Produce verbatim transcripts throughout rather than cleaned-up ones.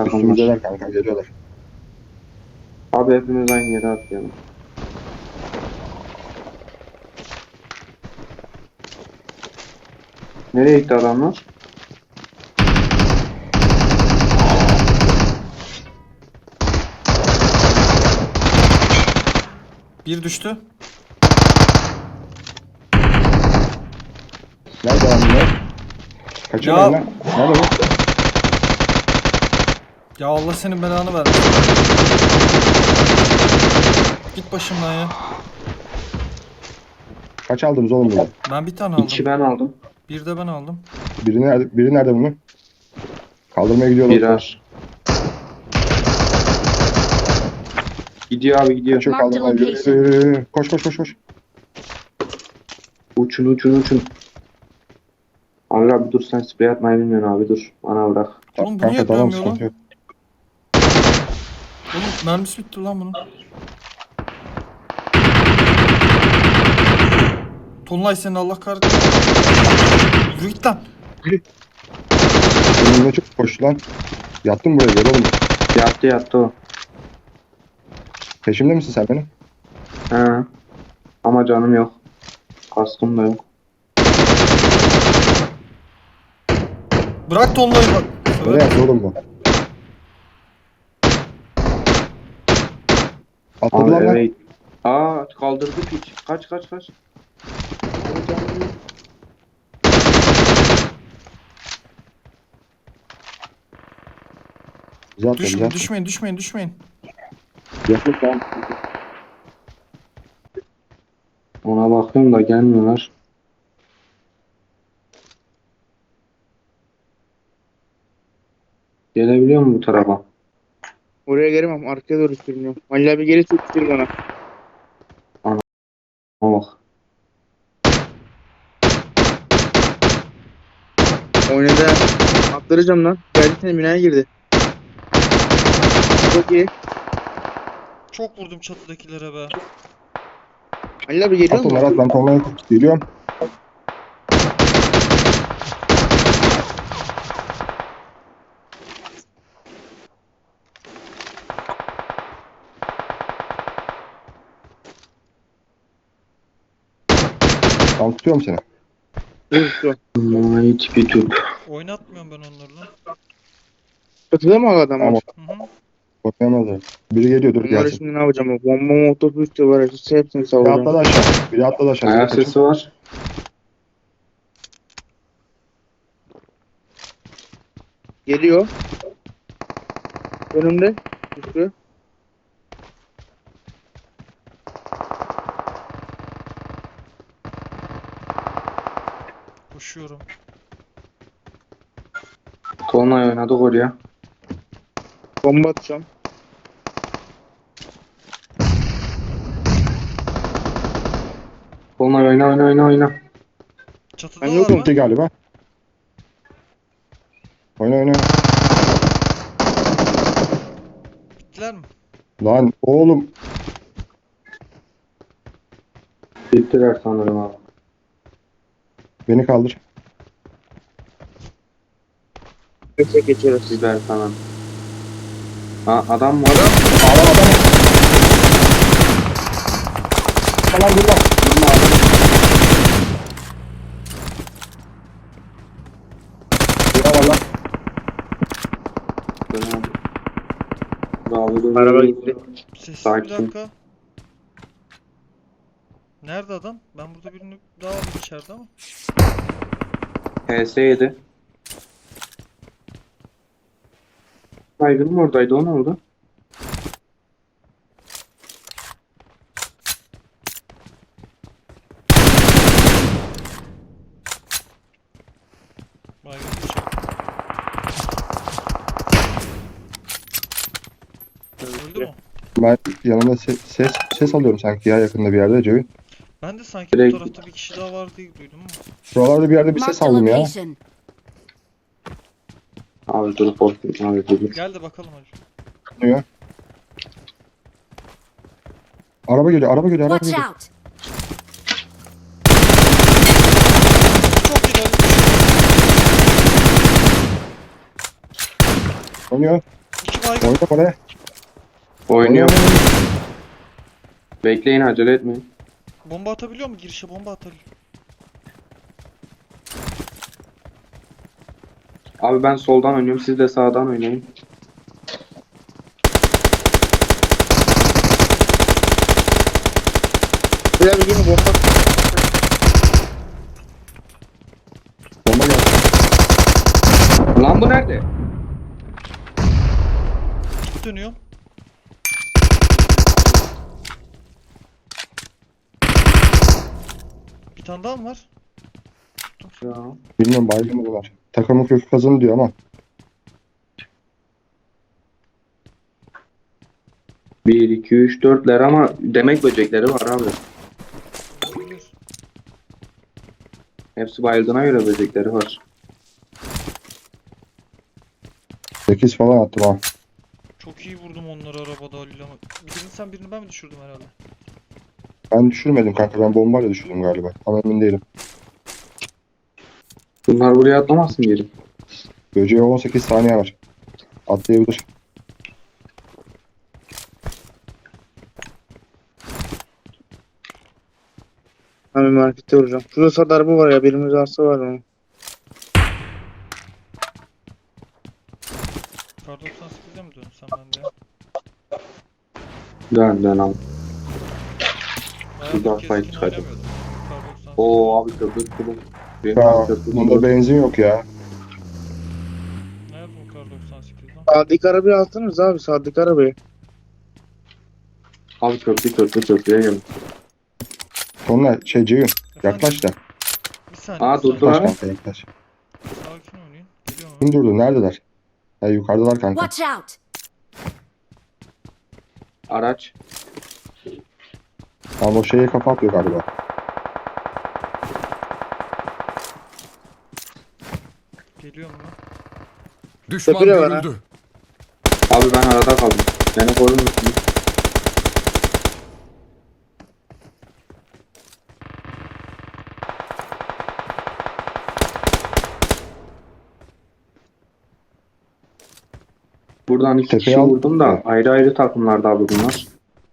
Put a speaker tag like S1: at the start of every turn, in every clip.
S1: Üstümüzdeler kanka, geliyorlar.
S2: Abi hepimiz aynı yere atlayalım. Nereye gitti adamlar?
S3: Bir düştü.
S1: Nerede lan bunlar? Kaçırmayın
S3: Ya.
S1: lan. Nerede bu?
S3: Ya Allah senin belanı vermesin. Git başımdan ya.
S1: Kaç aldınız oğlum bunu?
S3: Ben bir tane aldım.
S2: İki ben aldım.
S3: Bir de ben aldım.
S1: Biri nerede, biri nerede bunun? Kaldırmaya gidiyorlar.
S2: Birer. Gidiyor abi gidiyor.
S1: Kaçıyor,
S4: Marked
S1: kaldırmaya gidiyor.
S4: location.
S1: Yürü, yürü, yürü. Koş koş koş koş.
S2: Uçun uçun uçun. Abi abi dur, sen sprey atmayı bilmiyorsun abi, dur. Bana bırak.
S3: Oğlum bu
S1: Kanka
S3: niye
S1: tamam,
S3: dönmüyor lan?
S1: sıkıntı yok.
S3: Oğlum mermisi bitti lan bunun. Tonlay senin Allah kahretsin. Yürü git lan.
S1: Önümde çok koştu lan. Yattım buraya, gel oğlum.
S2: Yattı yattı o.
S1: Peşimde misin sen benim?
S2: He. Ama canım yok. Kaskım da yok.
S3: Bırak Tonlay'ı bak.
S1: Nereye yattı oğlum bu? Atladı
S2: Abi
S1: lan lan.
S2: eve... Aa kaldırdı piç. Kaç kaç kaç.
S1: Bizi atla, bizi
S3: Düşmeyin,
S1: atla.
S3: düşmeyin, düşmeyin, düşmeyin.
S1: Yaklaşık lan.
S2: Ona bakıyorum da gelmiyorlar. Gelebiliyor mu bu tarafa?
S5: Oraya gelemem. Arkaya doğru sürünüyorum. Halil abi geri tuttur bana.
S2: Ona bak.
S5: Oynadı. Atlaracağım lan. Geldi senin binaya girdi. Çok iyi.
S3: Çok vurdum çatıdakilere be.
S5: Halil abi geliyor
S1: At
S5: mu?
S1: onları at, ben tonlaya geliyorum. Ben tutuyorum seni.
S5: Dur dur.
S2: Ay tipi tüp.
S3: Oynatmıyorum ben onları lan.
S5: Çatıda mı o adam?
S1: Ama
S3: Hı hı.
S1: bakayamazlar. Biri geliyor, dur
S5: Bunları
S1: gelsin.
S5: şimdi ne yapacağım? Bomba mı otobüs de var. Hepsini
S1: Biri
S5: sallayacağım.
S1: atladı aşağı. Biri atladı aşağı.
S2: Ayak
S1: Biri
S2: sesi var.
S5: Geliyor. Önümde. Düştü.
S3: Koşuyorum.
S2: Tonlay oynadık oraya.
S5: Bomba atacağım.
S2: Tonlay oyna oyna oyna oyna.
S3: Çatıda
S5: Ben
S3: var
S5: yokum.
S3: mı?
S1: Gitti galiba. Oyna oyna.
S3: Bittiler mi?
S1: Lan oğlum.
S2: Bittiler sanırım abi.
S1: Beni kaldır.
S5: Neyse geçeriz.
S2: Biber falan. Aa adam mı?
S1: Adam adam. Lan dur lan. Dur lan.
S2: Bravo, dur,
S5: Araba
S2: dur,
S5: gitti.
S2: dur.
S3: Sessiz bir
S2: Sakin.
S3: dakika. Nerede adam? Ben burada birini daha aldım içeride ama.
S2: H S yedi. Baygın mı oradaydı, o ne oldu?
S3: Baygın bir şey. Öldü mü?
S1: Ben yanımda ses, ses, ses alıyorum sanki ya, yakında bir yerde Cevin.
S3: Ben de sanki
S2: Direkt-
S3: bu tarafta bir kişi daha var diye duydum ama.
S1: Şuralarda bir yerde bir ses
S4: Marked a
S1: aldım ya.
S4: location.
S2: Abi dur korktum abi dur.
S3: Gel de bakalım hadi.
S1: Duyuyor. Araba geliyor, araba geliyor, araba
S4: Watch
S1: geliyor.
S4: out.
S3: Çok ileri.
S1: Oynuyor.
S3: İki baygın.
S1: Oyna oraya.
S2: Oynuyor.
S1: Oyna, oyna.
S2: Bekleyin, acele etmeyin.
S3: Bomba atabiliyor mu? Girişe bomba atabiliyor.
S2: Abi ben soldan oynuyorum, siz de sağdan oynayın.
S5: Beyler bir yine bomba.
S1: Bomba geldi.
S2: Lan bu nerede?
S3: Git dönüyorum. Bir tane daha mı var?
S2: Ya.
S1: Bilmiyorum baygın mı bunlar. Takımın kökü kazanı diyor ama.
S2: bir, iki, üç, dörtler ama demek böcekleri var abi.
S3: Olabilir.
S2: Hepsi bayıldığına göre böcekleri var.
S1: sekiz falan attım ha.
S3: Çok iyi vurdum onları arabada Halil ama. Birini sen birini ben mi düşürdüm herhalde?
S1: Ben düşürmedim kanka. Ben bombayla düşürdüm galiba. Ama emin değilim.
S2: Bunlar buraya atlamasın geri.
S1: Böceğe on sekiz saniye var. Atlayabilir.
S5: Ben bir markette vuracağım. Şurada sağda araba var ya. Birimiz arsa var onun.
S3: Kar doksan sekize mi dönsem ben de?
S2: Dön dön abi.
S3: Bayağıdır
S2: daha
S3: keskin
S2: fight çıkardım.
S3: oynamıyordum. Kar doksan sekiz.
S2: Oo abi köprü kulu. Benim
S1: Ya,
S2: abi köprü
S1: bunda
S2: kulu.
S1: benzin yok ya.
S3: Nerede bu kar doksan sekiz lan?
S5: Sağdaki arabayı alsanız abi. Sağdaki arabayı.
S2: Abi köprü köprü köprüye gelin.
S1: Sonra şey Ceyhun.
S3: Efendim?
S1: Yaklaş da.
S3: Bir saniye.
S2: Aa,
S3: bir saniye.
S2: dur, dur.
S1: Yaklaş
S2: Sonra?
S1: kanka yaklaş.
S3: Sakin oynayın. Geliyor mu?
S1: Kim durdu? Neredeler? Ha yukarıdalar kanka.
S4: Watch out!
S2: Araç.
S1: Ama o şeye kafa atıyor galiba.
S3: Geliyor mu lan?
S6: Düşman
S5: Tepede var ha.
S6: görüldü.
S2: Abi ben arada kaldım. Beni korur musunuz? Buradan iki
S1: Tepeye
S2: kişi
S1: al.
S2: vurdum da ayrı ayrı takımlarda abi bunlar.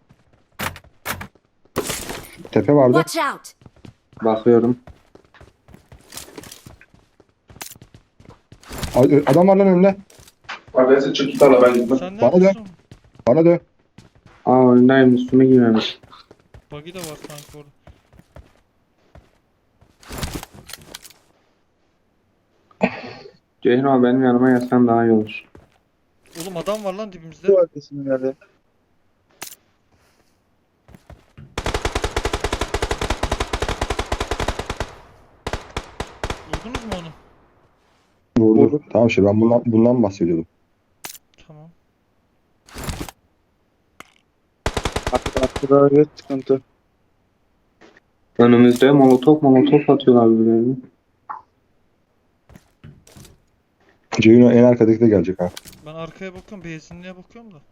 S1: Tepe vardı.
S4: Watch out!
S2: Bakıyorum.
S1: Ay, adam var lan önünde.
S2: Abi çık git ala ben gitmem.
S3: Sen
S1: Bana dön.
S3: neredesin?
S1: Bana dön.
S2: Aa öndeyim, üstüme girmemiş.
S3: Buggy de var sanki orada.
S2: Ceyhun abi benim yanıma gelsen daha iyi olur.
S3: Oğlum adam var lan dibimizde.
S5: Bu arkasında nerede?
S3: Vurdunuz mu onu?
S1: Vurdu. Tamam şey ben bundan, bundan bahsediyordum.
S3: Tamam.
S5: Arkada arkada evet sıkıntı.
S2: Önümüzde molotof molotof atıyorlar birbirlerine.
S1: Ceyhun en arkadaki de gelecek ha.
S3: Ben arkaya bakıyorum. Benzinliğe bakıyorum da.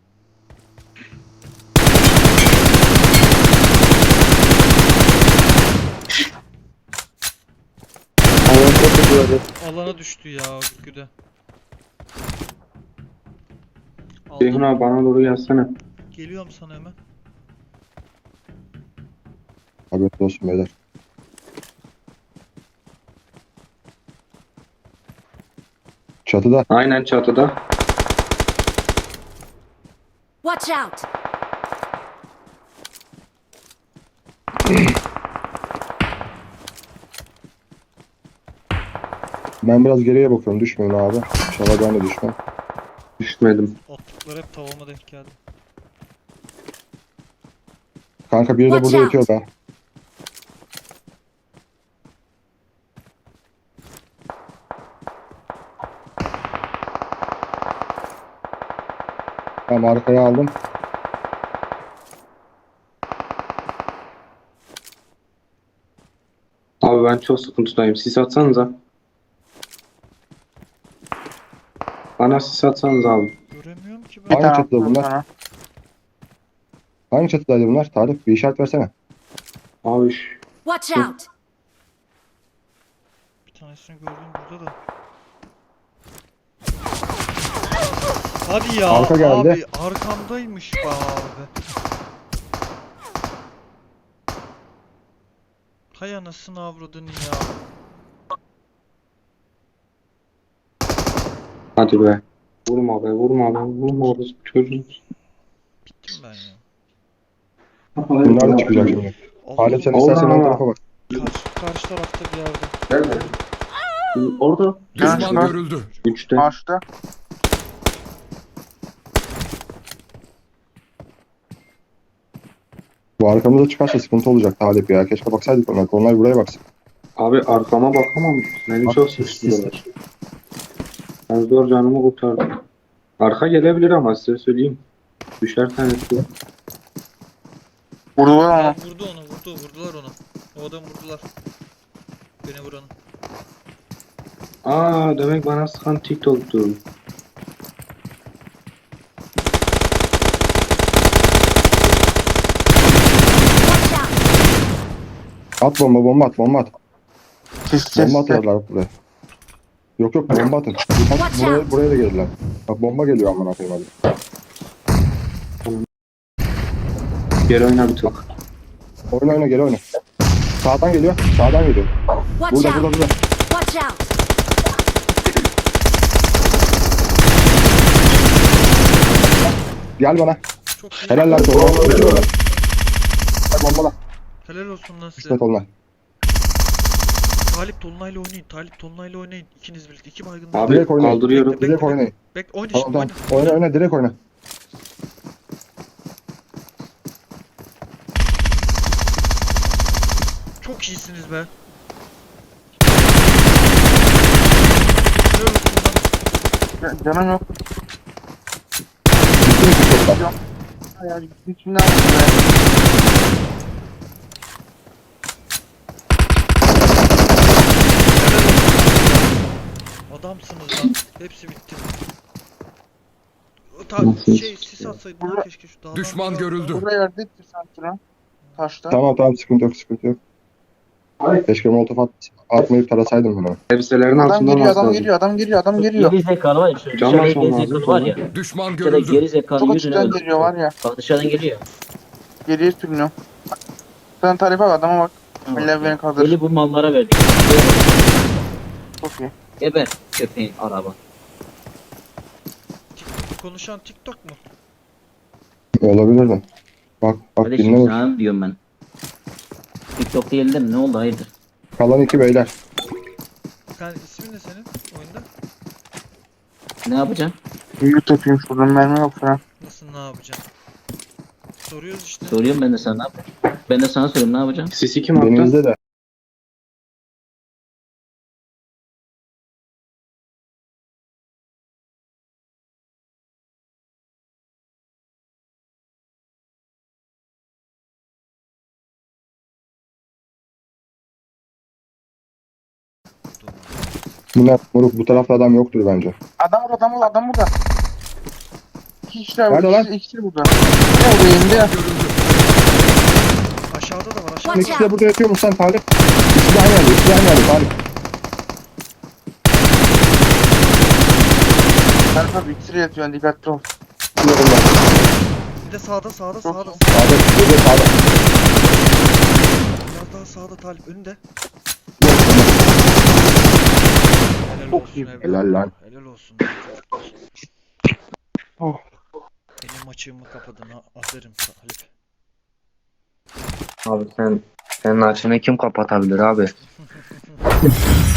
S5: Allah'ın çok kötü.
S3: Alana düştü ya Gülgü'de.
S2: Ceyhun
S3: Aldım.
S2: abi bana doğru gelsene.
S3: Geliyorum sana hemen.
S1: Haberiniz olsun beyler. Çatıda.
S2: Aynen çatıda.
S4: Watch out!
S1: Ben biraz geriye bakıyorum. Düşmeyin abi. İnşallah ben de düşmem.
S2: Düşmedim.
S3: Attıkları hep tavama denk geldi.
S1: Kanka biri de
S4: Watch
S1: burada
S4: out.
S1: yatıyor da. Tamam arkaya aldım.
S2: Abi ben çok sıkıntıdayım. Sis atsanıza. Bana sis atsanız abi.
S3: Göremiyorum ki ben.
S5: Bir
S1: Hangi
S5: tane
S1: çatıda
S5: attım
S1: bunlar?
S5: sana.
S1: Hangi çatıdaydı bunlar? Tarık bir işaret versene.
S2: Abi şu-
S4: Watch out!
S3: Bir tanesini gördüm burada da. Hadi ya
S1: Arka geldi.
S3: abi arkamdaymış be abi. Hay anasını avradın ya.
S2: Hadi be. Vurma be vurma be vurma be çocuğum.
S3: Bittim ben ya.
S1: Bunlar da çıkacak şimdi. Halim sen
S2: Allah
S1: istersen ön
S2: Allah.
S1: tarafa bak.
S3: Karşı, karşı tarafta bir yerde.
S2: Nerede? Orada.
S5: Düşman
S2: Üçte.
S6: görüldü.
S2: Üçte.
S5: Ağaçta.
S1: Bu arkamıza çıkarsa sıkıntı olacak Talip ya. Keşke baksaydık onlar. Onlar buraya baksın.
S2: Abi arkama bakamam. Ne
S1: Bak,
S2: çok
S1: sis,
S2: sesliyorlar. Ben zor canımı kurtardım. Arka gelebilir ama size söyleyeyim. Düşer tanesi.
S5: Vurdular ama.
S3: Vurdu onu vurdu vurdular onu. O adamı vurdular. Beni vuranı.
S2: Aa demek bana sıkan TikTok'tu.
S4: Watch out!
S1: At bomba bomba at bomba at.
S5: Sis sis.
S1: Bomba atıyorlar buraya. Yok yok bomba atın. Bak, buraya, buraya da geldiler. Bak bomba geliyor aman atayım hadi.
S2: Geri oyna bir tık.
S1: Oyna oyna geri oyna. Sağdan geliyor. Sağdan geliyor.
S4: Watch
S1: Burada
S4: out!
S1: burada burada.
S4: Watch out!
S1: Gel bana.
S3: Çok iyi.
S1: Helal lan sonra. Bombala.
S3: Helal olsun lan size.
S1: İsmet onlar.
S3: Talip Tolunay'la oynayın. Talip Tolunay'la oynayın. İkiniz birlikte. İki baygınlar.
S2: Abi
S1: Direkt oynayın.
S2: kaldırıyorum.
S3: Bekle,
S1: Direkt oynayın.
S3: Bek oyna
S1: Tamam
S3: şimdi
S1: tamam.
S3: oyna.
S1: Oyna oyna direkt oyna.
S3: Çok iyisiniz be. Helal olsun lan.
S5: Ya- Canım yok.
S1: Bitti mi TikTok'ta?
S5: Ya içinden vurdu be.
S3: Adamsınız lan. Hepsi bitti. O Ta
S2: Nasıl?
S3: şey sis atsaydın lan keşke şu dağdan.
S6: Düşman
S3: biraz daha-
S6: görüldü.
S5: Burada yerde ettir sanki lan. Taşta.
S1: Tamam tamam sıkıntı yok sıkıntı yok. Keşke molotof at, atmayıp tarasaydım bunu.
S2: Elbiselerin
S5: Adam
S2: altında
S5: geliyor
S2: olması
S5: adam
S2: lazım.
S5: geliyor adam geliyor adam geliyor.
S7: Geri zekalı var ya. Şu
S2: Can
S7: dışarıda
S2: basmam
S7: geri
S2: lazım
S7: zekalı var ya.
S6: Düşman
S7: Dışarıda
S6: görüldü.
S7: geri zekalı
S5: Çok
S7: yüzüne
S5: açıktan
S7: öldür.
S5: geliyor var ya.
S7: Bak dışarıdan geliyor.
S5: Geriye sürünüyor. Sen tarife bak adama bak. Millet beni kaldırır.
S7: Eli bu mallara verdik.
S5: Çok iyi.
S7: Geber köpeğin araba.
S3: TikTok- Konuşan TikTok mu?
S1: Olabilir mi? Bak bak dinle
S7: Kardeşim
S1: bak.
S7: sana diyorum ben. TikTok değil de mi? Ne oldu hayırdır?
S1: Kalan iki beyler.
S3: Sen ismin ne senin oyunda?
S7: Ne yapacaksın?
S5: Büyük yapayım şuradan mermi yok falan.
S3: Nasıl ne yapacaksın? Soruyoruz işte.
S7: Soruyorum ben de sana ne yapacaksın? Ben de sana soruyorum ne yapacaksın?
S2: Sisi kim attı?
S1: Denizde de. Bunlar moruk bu tarafta adam yoktur bence.
S5: Adam burada adam burada adam burada. İki kişiler
S1: Nerede
S5: burada.
S1: lan?
S5: İkisi, ikisi burada. Ne oldu elimde?
S3: Aşağıda da var aşağıda.
S4: Watch
S1: İkisi de
S4: out!
S1: burada yatıyor mu sen Talip? İkisi de aynı yerde. İkisi de aynı yerde Talip.
S5: Tarife abi ikisi de yatıyor dikkatli ol.
S1: Biliyorum ben.
S3: Bir de sağda sağda
S5: Çok
S3: sağda.
S5: iyi.
S1: Sağda. Bir de sağda.
S3: Biraz daha sağda Talip önünde.
S1: Yok,
S3: Helal
S5: Çok
S3: olsun
S5: iyi.
S3: evladım.
S1: Helal lan.
S3: Helal olsun çocuklar.
S5: Oh.
S3: Benim açığımı kapadın ha. Aferin Talip.
S2: Abi sen senin açını kim kapatabilir abi?